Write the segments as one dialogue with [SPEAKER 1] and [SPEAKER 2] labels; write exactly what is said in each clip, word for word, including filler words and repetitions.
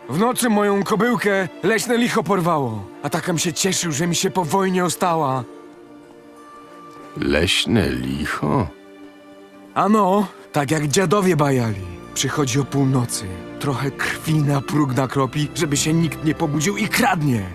[SPEAKER 1] W nocy moją kobyłkę leśne licho porwało. A takam się cieszył, że mi się po wojnie ostała.
[SPEAKER 2] Leśne licho?
[SPEAKER 1] Ano, tak jak dziadowie bajali. Przychodzi o północy. Trochę krwi na próg nakropi, żeby się nikt nie pobudził i kradnie.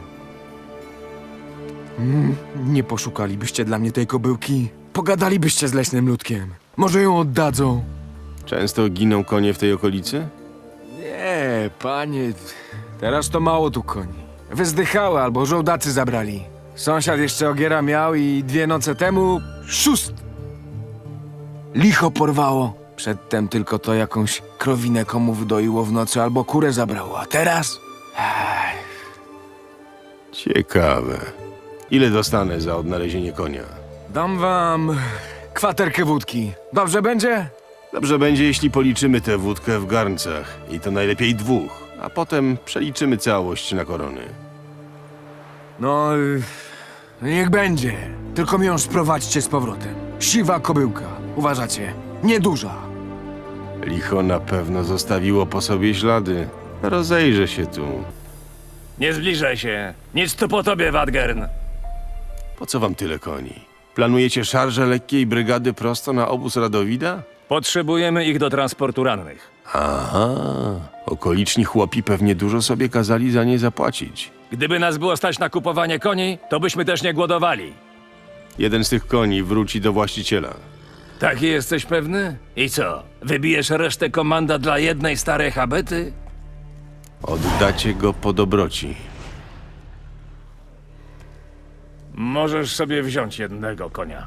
[SPEAKER 1] Mm, nie poszukalibyście dla mnie tej kobyłki? Pogadalibyście z leśnym ludkiem. Może ją oddadzą?
[SPEAKER 2] Często giną konie w tej okolicy?
[SPEAKER 1] Nie, panie. Teraz to mało tu koni. Wyzdychały albo żołdacy zabrali. Sąsiad jeszcze ogiera miał i dwie noce temu... Szóst! Licho porwało. Przedtem tylko to jakąś krowinę komu wydoiło w nocy albo kurę zabrało, a teraz... Ech,
[SPEAKER 2] Ciekawe. Ile dostanę za odnalezienie konia?
[SPEAKER 1] dam wam kwaterkę wódki. Dobrze będzie?
[SPEAKER 2] Dobrze będzie, jeśli policzymy tę wódkę w garncach. I to najlepiej dwóch. A potem przeliczymy całość na korony.
[SPEAKER 1] No, y, niech będzie. Tylko mi ją sprowadźcie z powrotem. Siwa kobyłka. Uważacie? Nieduża.
[SPEAKER 2] Licho na pewno zostawiło po sobie ślady. Rozejrzę się tu.
[SPEAKER 3] Nie zbliżaj się. Nic tu po tobie, Wadgern.
[SPEAKER 2] Po co wam tyle koni? Planujecie szarże lekkiej brygady prosto na obóz Radowida?
[SPEAKER 3] Potrzebujemy ich do transportu rannych.
[SPEAKER 2] Aha, okoliczni chłopi pewnie dużo sobie kazali za nie zapłacić.
[SPEAKER 3] Gdyby nas było stać na kupowanie koni, to byśmy też nie głodowali.
[SPEAKER 2] Jeden z tych koni wróci do właściciela.
[SPEAKER 3] Taki jesteś pewny? I co? Wybijesz resztę komanda dla jednej starej habety?
[SPEAKER 2] Oddacie go po dobroci.
[SPEAKER 3] Możesz sobie wziąć jednego konia.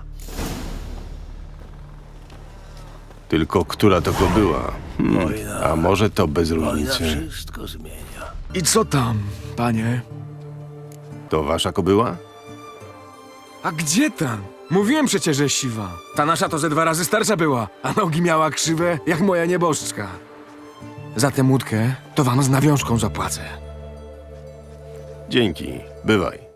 [SPEAKER 2] Tylko która to była? Hmm, a może to bez różnicy?
[SPEAKER 3] Wszystko zmienia.
[SPEAKER 1] I co tam, panie?
[SPEAKER 2] To wasza kobyła?
[SPEAKER 1] A gdzie tam? Mówiłem przecież, że siwa. Ta nasza to ze dwa razy starsza była, a nogi miała krzywe jak moja nieboszczka. Za tę łódkę to wam z nawiązką zapłacę.
[SPEAKER 2] Dzięki, bywaj.